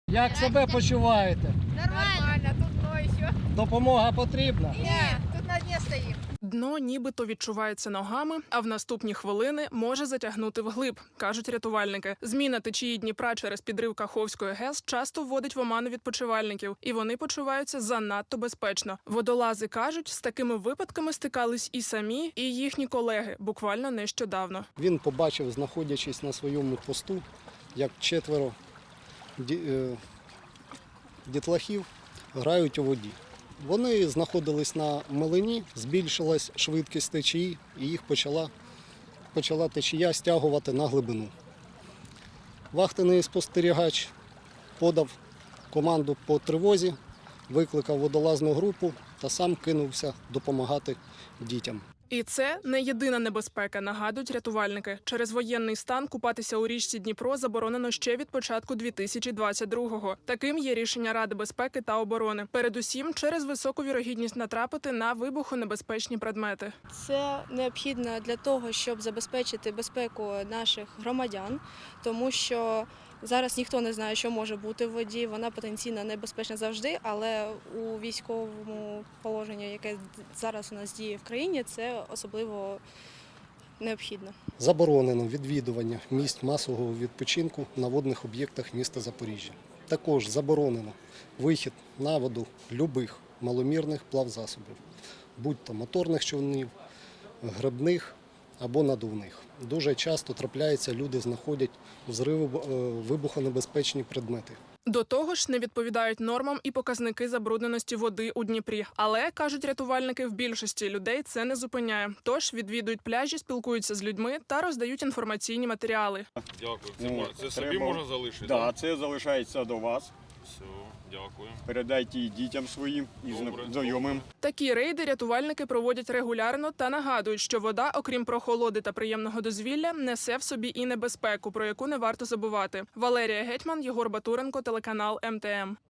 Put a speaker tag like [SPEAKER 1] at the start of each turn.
[SPEAKER 1] Як себе почуваєте?
[SPEAKER 2] Нормально, тут дно еще.
[SPEAKER 1] Допомога потрібна?
[SPEAKER 2] Нет, тут на дне стоим.
[SPEAKER 3] Дно нібито відчувається ногами, а в наступні хвилини може затягнути вглиб, кажуть рятувальники. Зміна течії Дніпра через підрив Каховської ГЕС часто вводить в оману відпочивальників, і вони почуваються занадто безпечно. Водолази кажуть, з такими випадками стикались і самі, і їхні колеги буквально нещодавно.
[SPEAKER 1] Він побачив, знаходячись на своєму посту, як 4 дітлахів грають у воді. Вони знаходились на милині, збільшилась швидкість течії і їх почала течія стягувати на глибину. Вахтений спостерігач подав команду по тривозі, викликав водолазну групу та сам кинувся допомагати дітям.
[SPEAKER 3] І це не єдина небезпека, нагадують рятувальники. Через воєнний стан купатися у річці Дніпро заборонено ще від початку 2022-го. Таким є рішення Ради безпеки та оборони. Передусім, через високу вірогідність натрапити на вибухонебезпечні предмети.
[SPEAKER 4] Це необхідно для того, щоб забезпечити безпеку наших громадян, тому що зараз ніхто не знає, що може бути в воді. Вона потенційно небезпечна завжди, але у військовому положенні, яке зараз у нас діє в країні, це особливо необхідно.
[SPEAKER 1] Заборонено відвідування місць масового відпочинку на водних об'єктах міста Запоріжжя. Також заборонено вихід на воду любих маломірних плавзасобів, будь-то моторних човнів, гребних або надувних. Дуже часто трапляється, люди знаходять вибухонебезпечні предмети.
[SPEAKER 3] До того ж, не відповідають нормам і показники забрудненості води у Дніпрі. Але, кажуть рятувальники, в більшості людей це не зупиняє. Тож відвідують пляжі, спілкуються з людьми та роздають інформаційні матеріали.
[SPEAKER 5] Дякую. Це собі можна залишити?
[SPEAKER 6] Так, це залишається до вас.
[SPEAKER 5] Все, дякую.
[SPEAKER 6] Передайте і дітям своїм, і знайомим.
[SPEAKER 3] Такі рейди рятувальники проводять регулярно та нагадують, що вода, окрім прохолоди та приємного дозвілля, несе в собі і небезпеку, про яку не варто забувати. Валерія Гетьман, Єгор Батуренко, телеканал МТМ.